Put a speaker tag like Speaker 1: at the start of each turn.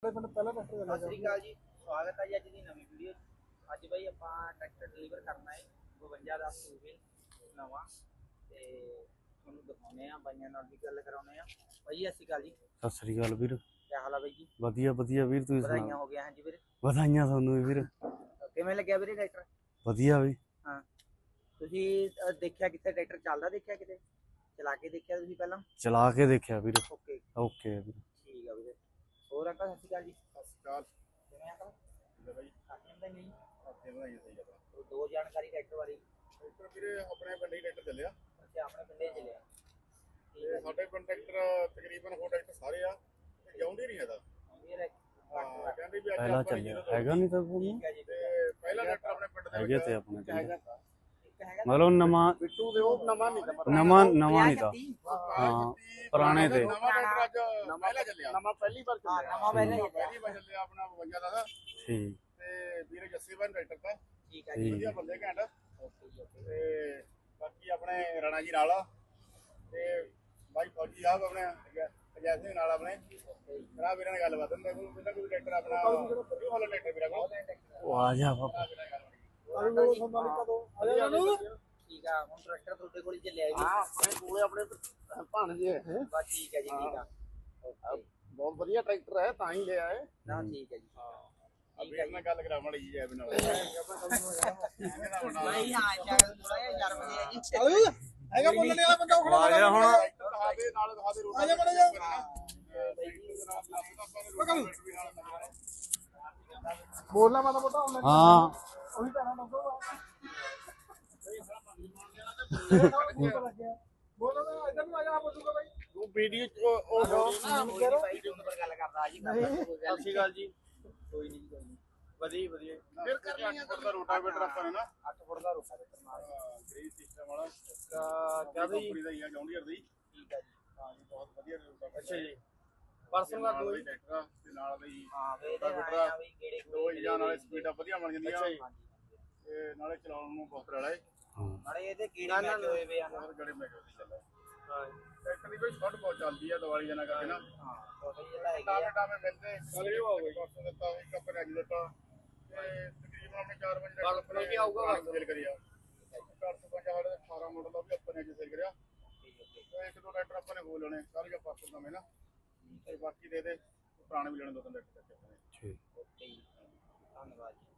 Speaker 1: ਆਪਣੇ ਪਿੰਡ ਪਹਿਲਾ ਟਰੈਕਟਰ ਚੱਲਿਆ।
Speaker 2: ਸਤਿ ਸ਼੍ਰੀ ਅਕਾਲ ਜੀ, ਸਵਾਗਤ ਹੈ ਜੀ ਅੱਜ ਦੀ ਨਵੀਂ ਵੀਡੀਓ। ਅੱਜ ਬਾਈ ਆਪਾਂ ਟਰੈਕਟਰ ਡਿਲੀਵਰ ਕਰਨਾ ਹੈ 52 ਦਾ ਸੂਬੇ ਨਵਾਂ ਤੇ ਤੁਹਾਨੂੰ ਦਿਖਾਉਣੇ ਆ, ਬਾਈਆਂ ਨਾਲ ਵੀ ਗੱਲ ਕਰਾਉਣੇ ਆ। ਬਾਈ ਸਤਿ ਸ਼੍ਰੀ ਅਕਾਲ ਜੀ।
Speaker 3: ਸਤਿ ਸ੍ਰੀ ਅਕਾਲ ਵੀਰ।
Speaker 2: ਕੀ ਹਾਲ ਆ ਬਾਈ ਜੀ?
Speaker 3: ਵਧੀਆ ਵਧੀਆ ਵੀਰ, ਤੁਸੀਂ
Speaker 2: ਵਧਾਈਆਂ
Speaker 3: ਸੁਣਾਓ?
Speaker 2: ਹੋ ਗਿਆ। ਹਾਂਜੀ ਵੀਰੇ,
Speaker 3: ਵਧਾਈਆਂ ਤੁਹਾਨੂੰ ਵੀ ਵੀਰ।
Speaker 2: ਕਿਵੇਂ ਲੱਗਿਆ ਵੀਰੇ ਟਰੈਕਟਰ?
Speaker 3: ਵਧੀਆ ਵੀ।
Speaker 2: ਹਾਂ, ਤੁਸੀਂ ਦੇਖਿਆ ਕਿੱਥੇ ਟਰੈਕਟਰ ਚੱਲਦਾ? ਦੇਖਿਆ ਕਿਤੇ ਚਲਾ ਕੇ ਦੇਖਿਆ ਤੁਸੀਂ ਪਹਿਲਾਂ?
Speaker 3: ਚਲਾ ਕੇ ਦੇਖਿਆ ਵੀਰ।
Speaker 2: ਓਕੇ
Speaker 3: ਓਕੇ ਵੀਰ।
Speaker 2: ਠੀਕ ਆ ਵੀਰੇ। ਹੋਰ ਅੰਕਲ ਸਤਿ ਸ਼੍ਰੀ ਅਕਾਲ ਜੀ।
Speaker 1: ਸਤਿ ਸ਼੍ਰੀ ਅਕਾਲ।
Speaker 2: ਕਿਵੇਂ ਅੰਕਲ?
Speaker 1: ਠੀਕ ਬਾਈ।
Speaker 2: ਕਾਫੀ ਹੁੰਦਾ ਨਹੀਂ
Speaker 1: ਹਫਤੇ ਵਧਾਈਆਂ ਸਹੀ ਗੱਲ।
Speaker 2: ਦੋ ਜਾਣਕਾਰੀ ਟਰੈਕਟਰ ਬਾਰੇ।
Speaker 1: ਟਰੈਕਟਰ ਵੀਰੇ ਆਪਣੇ ਪਿੰਡ ਹੀ ਟਰੈਕਟਰ ਚੱਲਿਆ
Speaker 2: ਅੱਛਾ, ਆਪਣੇ ਪਿੰਡੇ ਚੱਲਿਆ।
Speaker 1: ਤੇ ਸਾਡੇ ਪਿੰਡ ਟਰੈਕਟਰ ਤਕਰੀਬਨ ਹੋਰ ਟਰੈਕਟਰ ਸਾਰੇ ਆ ਤੇ ਜਾਉਂਦੇ ਨਹੀਂ ਹੈਗਾ। ਹਾਂ, ਕਹਿੰਦੇ ਵੀ ਅੱਜ
Speaker 3: ਪਹਿਲਾਂ
Speaker 1: ਆਪਾਂ
Speaker 3: ਚੱਲਿਆ ਹੈਗਾ ਨਹੀਂ ਤਾਂ ਤੁਹਾਨੂੰ
Speaker 2: ਠੀਕ ਹੈ ਜੀ।
Speaker 1: ਤੇ ਪਹਿਲਾ ਟਰੈਕਟਰ ਆਪਣੇ ਪਿੰਡ ਦੇ
Speaker 3: ਹੈਗੇ ਤੇ ਆਪਣੇ ਪਿੰਡ
Speaker 2: ਇੱਕ ਹੈਗਾ
Speaker 3: ਮਤਲਬ ਨਵਾਂ
Speaker 1: ਬਿੱਟੂ ਦੇ ਉਹ ਨਵਾਂ ਨਹੀਂ ਤਾਂ
Speaker 3: ਨਵਾਂ ਨਹੀਂ ਤਾਂ ਹਾਂ ਪੁਰਾਣੇ ਤੇ
Speaker 1: ਨਵਾਂ ਟਰੈਕਟਰ ਅੱਜ ਪਹਿਲਾ ਚੱਲਿਆ। ਨਵਾਂ ਪਹਿਲੀ ਵਾਰ ਚੱਲਿਆ।
Speaker 2: ਨਵਾਂ ਪਹਿਲਾਂ ਹੀ
Speaker 1: ਪਹਿਲੀ ਵਾਰ ਚੱਲਿਆ ਆਪਣਾ 52 ਦਾ
Speaker 3: ਠੀਕ
Speaker 1: ਤੇ ਵੀਰੇ ਜੱਸੀ ਬਨ ਟਰੈਕਟਰ ਦਾ
Speaker 2: ਠੀਕ ਹੈ ਜੀ।
Speaker 1: ਵਧੀਆ ਬੰਦੇ ਘੈਂਟ।
Speaker 2: ਓਕੇ ਜੀ ਓਕੇ।
Speaker 1: ਤੇ ਬਾਕੀ ਆਪਣੇ ਰਾਣਾ ਜੀ ਨਾਲ ਤੇ ਬਾਈ ਫੌਜੀ ਸਾਹਿਬ ਆਪਣੇ ਅਜੈ ਸਿੰਘ ਨਾਲ ਆਪਣੇ ਭਰਾ ਵੀਰਾਂ ਨਾਲ ਗੱਲਬਾਤ ਹੁੰਦਾ। ਕੋਈ ਟਰੈਕਟਰ ਆਪਣਾ ਉਹ ਵਾਲਾ ਟਰੈਕਟਰ ਵੀਰਾਂ ਕੋਲ
Speaker 3: ਉਹ ਆ ਜਾ ਬਾਬਾ।
Speaker 2: ਠੀਕ ਆ, ਹੁਣ ਟਰੈਕਟਰ ਤੁਹਾਡੇ ਕੋਲ ਹੀ ਚੱਲਿਆ ਜੀ?
Speaker 1: ਹਾਂ, ਆਪਣੇ ਕੋਲੇ ਆਪਣੇ ਭਾਣਜੇ ਹੈ।
Speaker 2: ਬਸ ਠੀਕ ਹੈ ਜੀ, ਠੀਕ ਆ। ਓਕੇ,
Speaker 1: ਬਹੁਤ ਵਧੀਆ ਟਰੈਕਟਰ ਹੈ ਤਾਂ ਹੀ ਲਿਆ ਹੈ।
Speaker 2: ਨਾ ਠੀਕ ਹੈ ਜੀ।
Speaker 1: ਅਬੇ ਨਾਲ ਗੱਲ ਕਰਾ ਮੜੀ ਜੀ ਜੈਬ ਨਾਲ।
Speaker 2: ਨਹੀਂ ਹਾਂ, ਚੱਲ ਥੋੜਾ ਜਿਹਾ ਸ਼ਰਮ ਦੇ ਆ ਜੀ।
Speaker 1: ਹੈਗਾ ਬੋਲਣ ਵਾਲਾ ਬੰਦਾ ਉਹ
Speaker 3: ਆ ਗਿਆ ਹੁਣ।
Speaker 1: ਦਿਖਾ ਦੇ ਨਾਲ ਦਿਖਾ ਦੇ ਰੋਟੀ ਆ ਜਾ ਮੜਾ ਜਾ ਬੋਲਣਾ ਮਾਤਾ ਮੋਟਾ ਹੁਣ
Speaker 3: ਹਾਂ
Speaker 1: ਉਹੀ ਕਹਿਣਾ ਦੱਸੋ ਬੋਲਣਾ ਇਧਰ ਨੂੰ ਆ ਜਾ ਬੋਲੂਗਾ ਬਾਈ ਤੂੰ ਵੀਡੀਓ ਉਹ
Speaker 2: ਬਾਈ ਦੇ ਉੱਪਰ ਗੱਲ ਕਰਦਾ ਜੀ।
Speaker 1: ਸਤਿ ਸ਼੍ਰੀ ਅਕਾਲ ਜੀ।
Speaker 2: ਕੋਈ ਨਹੀਂ, ਕੋਈ ਨਹੀਂ।
Speaker 1: ਵਧੀਆ ਵਧੀਆ ਫਿਰ ਕਰਨੀ ਆ ਤਾਂ ਰੋਟਾਵੇਟਰ ਆਪਾਂ ਨੇ ਨਾ
Speaker 2: 8 ਫੁੱਟ ਦਾ ਰੋਟਾਵੇਟਰ ਨਾਲ।
Speaker 1: ਗ੍ਰੀਸ ਸਿਸਟਮ ਵਾਲਾ ਕੰਪਨੀ ਦਾ ਹੀ ਆ ਜੌਂਡੀਅਰ ਦੀ।
Speaker 2: ਠੀਕ ਹੈ ਜੀ।
Speaker 1: ਹਾਂ ਜੀ, ਬਹੁਤ ਵਧੀਆ ਰੋਟਾਵੇਟਰ।
Speaker 2: ਅੱਛਾ ਜੀ।
Speaker 1: ਪਰਸੋਂ ਦਾ ਦੋ ਟਰੈਕਟਰ ਤੇ ਨਾਲ ਦਾ ਹੀ
Speaker 2: ਹਾਂ ਵੇ ਇਹਦੇ ਆਇਆ ਵੀ ਕਿਹੜੇ
Speaker 1: ਦੋ ਇੰਜਾਂ ਨਾਲੇ ਸਪੀਡਾਂ ਵਧੀਆ ਬਣ ਜਾਂਦੀਆਂ
Speaker 2: ਹਾਂਜੀ
Speaker 1: ਤੇ ਨਾਲੇ ਚਲਾਉਣ ਨੂੰ ਬਹੁਤ ਰੜਾ ਹੈ।
Speaker 2: ਨਾਲੇ ਇਹਦੇ ਕੀੜੇ ਮੈਚ ਹੋਏ ਵੇ ਆ ਨਾ।
Speaker 1: ਹੋਰ ਗੜੇ ਮੈਂ ਜਲਦੀ ਚੱਲਦਾ। ਹਾਂ ਟਰੈਕਟਰ ਦੀ ਕੋਈ ਸ਼ਾਰਟ ਬਹੁਤ ਚੱਲਦੀ ਆ ਦੀਵਾਲੀ ਜਨਾ ਕਰਕੇ ਨਾ।
Speaker 2: ਹਾਂ ਛੋਟੇ ਜਿਹੜਾ ਹੈਗੇ
Speaker 1: ਟਾਵੇਂ
Speaker 2: ਆ।
Speaker 1: ਟਾਵੇਂ ਮਿਲਦੇ ਕੱਲ ਵੀ ਆਉਗਾ ਪਰਸੋਂ ਦਿੱਤਾ ਇੱਕ ਆਪਣੇ ਅੱਜ ਦਿੱਤਾ ਤੇ ਤਕਰੀਬਨ ਆਪਣੇ 4 ਵਜੇ ਕੱਲ ਆਪਣੇ ਵੀ ਆਊਗਾ ਸੇਲ ਕਰਿਆ। 450 18 ਮਾਡਲ ਦਾ ਵੀ ਆਪਾਂ ਨੇ ਅੱਜ ਸੇਲ ਕਰਿਆ। ਤੇ ਇੱਕ ਦੋ ਟਰੈਕਟਰ ਆਪਾਂ ਨੇ ਹੋ ਲੈਣੇ ਕੱਲ ਜਾਂ ਪਰਸੋਂ ਨਵੇਂ ਨਾ ਤੇ ਬਾਕੀ ਦੇ ਪੁਰਾਣੇ ਵੀ ਲੈਣੇ ਦੋ ਤਿੰਨ ਟਰੈਕਟਰ।
Speaker 3: ਠੀਕ।
Speaker 2: ਓਕੇ ਜੀ, ਧੰਨਵਾਦ ਜੀ।